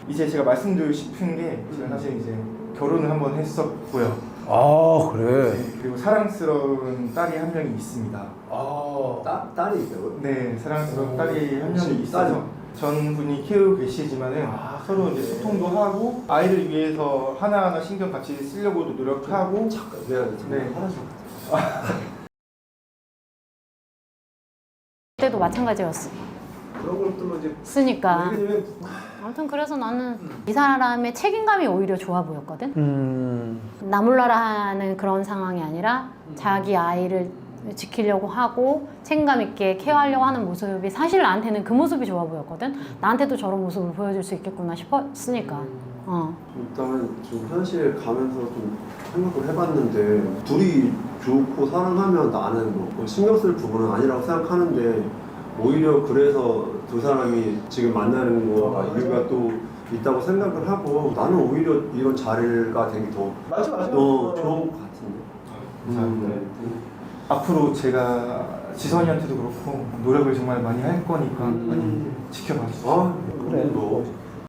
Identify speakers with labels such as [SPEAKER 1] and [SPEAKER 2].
[SPEAKER 1] 이제 제가 말씀드리고 싶은 게 제가 사실 이제 결혼을 한번 했었고요.
[SPEAKER 2] 아 그래.
[SPEAKER 1] 네, 그리고 사랑스러운 딸이 한 명이 있습니다.
[SPEAKER 3] 딸이 있다고요?
[SPEAKER 1] 네, 사랑스러운
[SPEAKER 3] 오,
[SPEAKER 1] 딸이 한
[SPEAKER 3] 혹시
[SPEAKER 1] 명이 있어서 전분이 키우고 계시지만은 서로 이제 소통도 하고 아이를 위해서 하나하나 신경 같이 쓰려고도 노력하고.
[SPEAKER 3] 잠깐 미안해.
[SPEAKER 1] 네.
[SPEAKER 3] 하나씩.
[SPEAKER 4] 그때도 마찬가지였어.
[SPEAKER 3] 그런 것들만 이제
[SPEAKER 4] 쓰니까.
[SPEAKER 3] 왜냐면
[SPEAKER 4] 아무튼 그래서 나는 이 사람의 책임감이 오히려 좋아 보였거든. 나 몰라라 하는 그런 상황이 아니라 자기 아이를 지키려고 하고 책임감 있게 케어하려고 하는 모습이 사실 나한테는 그 모습이 좋아 보였거든. 나한테도 저런 모습을 보여줄 수 있겠구나 싶었으니까.
[SPEAKER 3] 일단 지금 현실 가면서 좀 생각을 해봤는데 둘이 좋고 사랑하면 나는 뭐 신경 쓸 부분은 아니라고 생각하는데 오히려 그래서 두 사람이 지금 만나는 거가 이유가 또 있다고 생각을 하고 나는 오히려 이런 자리가 되게 더
[SPEAKER 2] 맞아.
[SPEAKER 3] 좋은 것 같은데.
[SPEAKER 1] 감사합니다. 앞으로 제가 지선이한테도 그렇고 노력을 정말 많이 할 거니까 많이 지켜봐 주세요.
[SPEAKER 3] 아, 그래. 뭐